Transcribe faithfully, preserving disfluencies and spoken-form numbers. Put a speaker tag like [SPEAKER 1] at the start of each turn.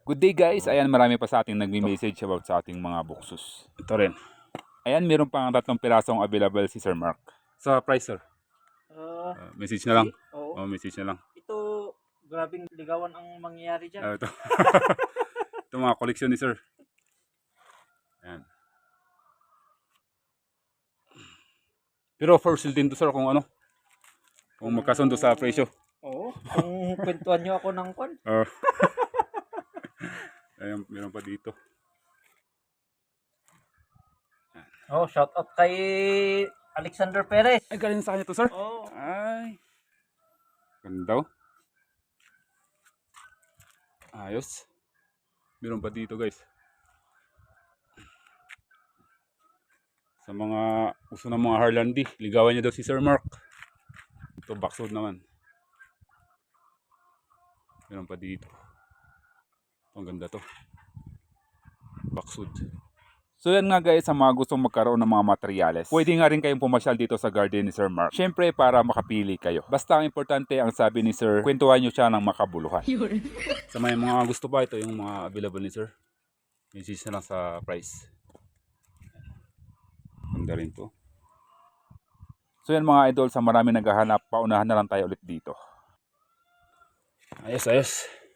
[SPEAKER 1] Good day guys, ayan marami pa sa ating nagme-message about sa ating mga buksus. Ito rin. Ayan, meron pang tatlong pirasong available si Sir Mark. Sa price sir?
[SPEAKER 2] Uh,
[SPEAKER 1] Uh, message na lang.
[SPEAKER 2] Oo.
[SPEAKER 1] Oh, message na lang.
[SPEAKER 2] Ito, grabing ligawan ang mangyayari dyan.
[SPEAKER 1] Uh, ito. Ito mga koleksyon ni Sir. Ayan. Pero for sale din to sir kung ano. Kung magkasundo sa presyo.
[SPEAKER 2] Oo. Kung kwentuhan nyo ako ng kwan.
[SPEAKER 1] Uh, ayan, meron pa dito.
[SPEAKER 2] Oh, shout out kay Alexander Perez.
[SPEAKER 1] Ay, galing sa kanya to sir?
[SPEAKER 2] Oo.
[SPEAKER 1] Ay. Ganda oh. Ayos. Meron pa dito guys. Sa mga gusto ng mga Harlandi, ligawan niya daw si Sir Mark. Ito backswood naman. Meron pa dito. Ang ganda to. Backswood. So yan nga guys, sa mga gustong magkaroon ng mga materyales, pwede nga rin kayong pumasyal dito sa garden ni Sir Mark. Siyempre para makapili kayo. Basta ang importante, ang sabi ni Sir, kwentuhan nyo siya ng makabuluhan. Sa may mga gusto pa, ito yung mga available ni Sir. Message na lang sa price. Ganda rin to. So yan mga idol, sa marami naghahanap, paunahan na lang tayo ulit dito. Ayos, ayos.